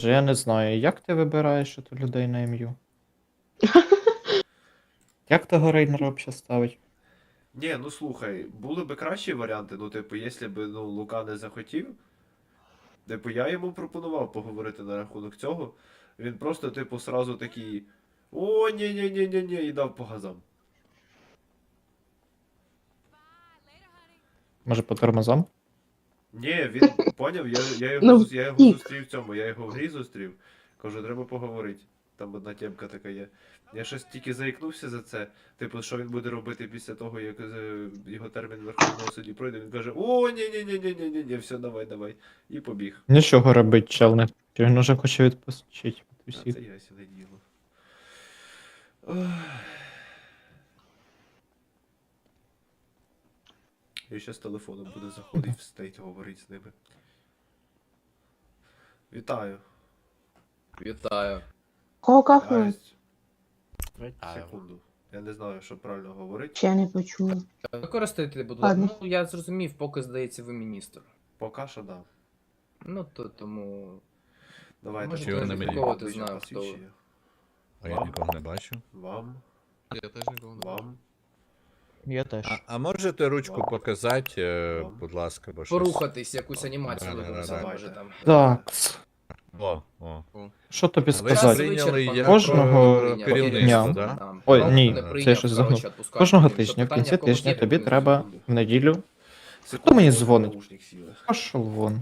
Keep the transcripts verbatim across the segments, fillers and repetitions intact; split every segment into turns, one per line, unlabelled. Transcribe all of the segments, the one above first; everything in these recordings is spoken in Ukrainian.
Боже, я не знаю, як ти вибираєш ото людей на ім'ю? Як того Рейнера взагалі ставить?
Ні, ну слухай, були би кращі варіанти, ну, типу, якщо б ну, Лука не захотів. Типу, я йому пропонував поговорити на рахунок цього. Він просто, типу, сразу такий. О, ні-ні-ні-ні-ні, і дав по газам.
Може по тормозам?
Ні, він поняв, я, я, його,
Ну,
зус- я його
втік.
зустрів в цьому, я його в грі зустрів. Кажу, треба поговорити. Там одна темка така є. Я щось тільки заікнувся за це. Типу, що він буде робити після того, як е, його термін Верховного суді пройде. Він каже: О, ні-ні-ні-ні-ні-ні, все, давай, давай. І побіг.
Нічого робить, чел, не він уже хоче відпустити
А
усіх.
це ясне діло. Ох. Я ще з телефоном буду заходити в стейт, говорити з ними. Вітаю.
Вітаю.
Кого кафе?
Ась. Секунду. Я не знаю, що правильно говорити.
Чи я не почула?
Використайте, будь ласка.
Ладно.
Ну, я зрозумів, поки здається, ви міністр.
Поки що да.
Ну, то тому.
Давайте.
Може,
Чого
покажіть
не
мені
мені?
Кого ти
обличчя
знав, хто ви?
посвідчення.
А я
Вам?
нікого не бачу.
Вам,
Я теж нікого не бачу.
вам.
Я теж.
А, а можете ручку
Вам.
показати, е,
Вам.
будь ласка, бо щось.
Порухатись, якусь анімацію
Да, да,
виконати,
да, да.
може там.
Так,
О, о.
що тобі
А ви
сказати?
прийняли
вичерпано.
як
Кожного
е,
дня.
керівництво,
дня.
да?
Там,
Ой,
ну,
ні,
не
це
прийняв,
я щось
коротше,
загнув.
відпускати.
Кожного
Якщо
тижня, в
питання
кінці
когось
тижня
є,
тобі
то
треба
секунду.
в неділю.
Секунду,
мені
ось
дзвонить?
наушник сіли.
Пошел вон.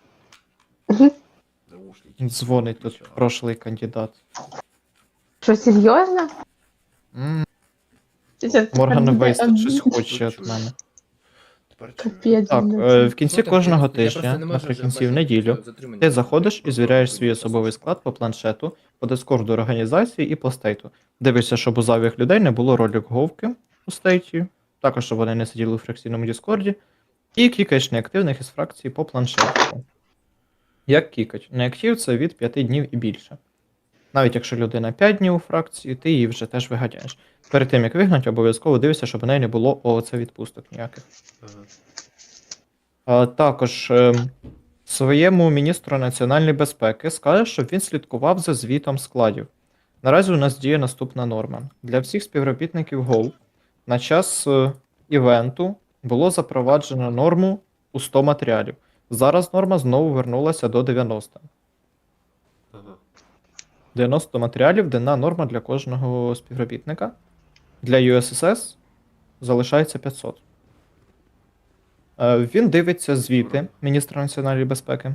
Наушники.
Дзвонить тут
Включаю.
прошлий кандидат.
Що, серйозно?
М,
Це тепер
Морган
буде
Вейс тут щось
обідно.
хоче від мене.
Тепер чую.
Капець.
Так,
блін.
е, в кінці
Ну, так,
кожного
я просто
тижня,
не можу вже
наприкінці в
бачити
неділю,
затримання.
ти заходиш і
Просто
звіряєш свій
прийняв
особовий
послуг.
склад по планшету, по дискорду організації і по стейту. Дивишся, щоб у зайвих людей не було ролик говки у стейті, також щоб вони не сиділи у фракційному дискорді, і кікаєш неактивних із фракції по планшету. Як кікать? Неактив це від п'яти днів і більше. Навіть якщо людина п'ять днів у фракції, ти її вже теж виганяєш. Перед тим як вигнати, обов'язково дивишся, щоб у неї не було оце відпусток ніяких.
Ага.
А, також ем, своєму міністру національної безпеки скаже, щоб він слідкував за звітом складів. Наразі у нас діє наступна норма. Для всіх співробітників ГОЛ на час е, івенту було запроваджено норму у сто матеріалів. Зараз норма знову вернулася до дев'яноста.
Ага.
дев'яносто матеріалів денна норма для кожного співробітника. Для ю ес ес ес залишається п'ятсот. Е, Він дивиться звіти міністра національної безпеки.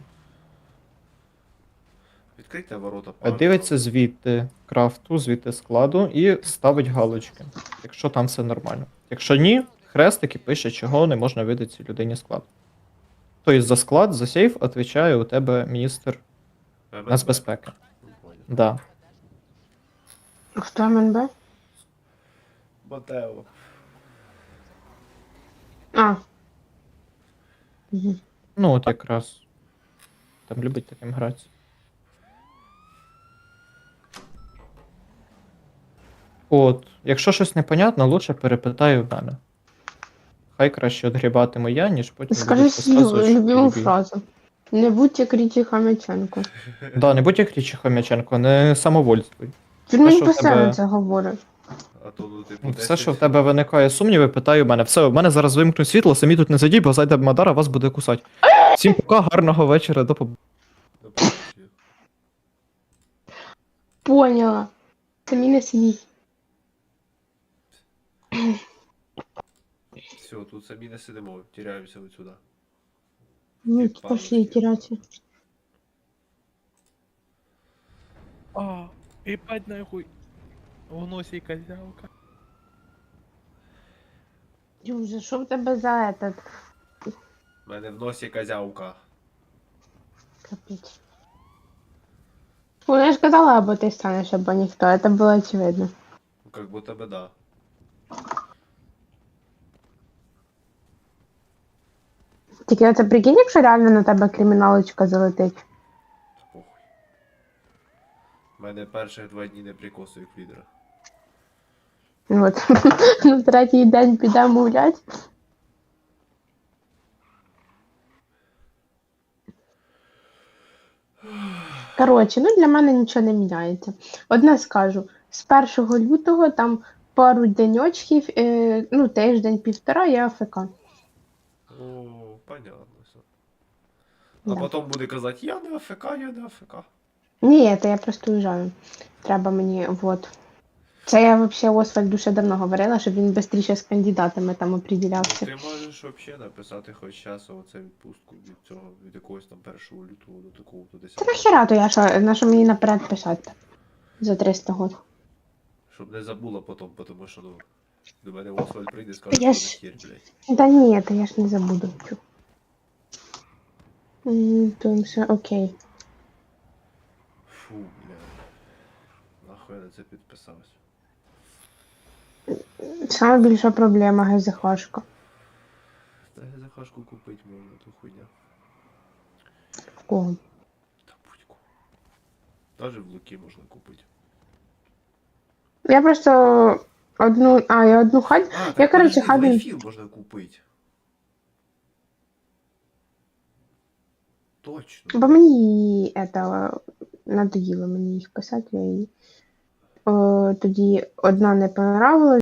Відкрийте ворота
Е,
парку.
Дивиться звіти крафту, звіти складу і ставить галочки, якщо там все нормально. Якщо ні, хрестик і пише, чого не можна видати цій людині склад. Тобто за склад, за сейф відповідає у тебе міністр
ем ен бе.
нацбезпеки.
Ну, понял.
Да.
Хто ем ен бе?
Матео.
А. Мгм.
Ну от якраз. Там любить таким грати. От, якщо щось непонятно, лучше перепитай у мене. Хай краще відгрібатиму я, ніж потім
Скажи
будуть
свою
розказувати, що
любиму
тобі.
фразу. Не будь як Річі Хам'яченко.
Да, не будь як Річі Хомяченко, не самовольствуй.
Він
Те,
мені
що в
постійно
тебе-
це говорить.
А то, ну, типу,
Все,
десять-
що в тебе виникає сумніви, питай у мене. Все, у мене зараз вимкнуть світло, самі тут не сидіть, бо зайде Мадара, вас буде кусати. Всім пока, гарного вечора, до побачення.
До побачення.
Поняла. Самі не сидіть.
Все, тут самі не сидимо, тіряємося от сюди.
Ну,
Ти
пошли
палочки.
тирати.
А, ебать нахуй. В носі козявка.
Юже, що в тебе за этот?
У мене в носі козявка.
Капець. Ну, я ж казала, або ти станеш, або ніхто. Це було очевидно.
Ну, как будто бы да.
Тільки оце прикинь, якщо реально на тебе криміналочка залетить.
Похуй. У мене перших два дні не прикосу як лідера.
От. На третій день підемо гулять. Коротше, ну для мене нічого не міняється. Одне скажу, з першого лютого там пару деньочків, е, ну тиждень-півтора я АФК.
О, понятно все. А
Да.
потім буде казати, я не АФК, я не АФК.
Ні, це я просто уїжджаю. Треба мені, вот. Це я взагалі Освальду ще давно говорила, щоб він швидше з кандидатами там оприділявся.
Ти можеш взагалі написати хоч час оце відпустку від цього, від якогось там першого лютого до такого до
Та
десятого.
нахера то я що, на що мені наперед писати? За триста год.
Щоб не забула потім, тому що, ну, до мене Освальд прийде і скаже,
Я
що
ж-
не хер, блядь.
Та ні, то я ж не забуду. Чу. М, То все окей.
Фу, блядь. Нахуй я на це підписався.
Саме більша проблема ГЗХшка.
Та захашку купити можна, ту хуйня.
В кого?
Та будь-ку. Даже в Луки можна купити.
Я просто одну. А, я одну хать.
А,
Я,
так
коротше,
подожди,
хабін.
Лайфіл можна купити. Точно.
Бо мені это надоїло мені їх писати, я її. О, тоді одна не понравилась.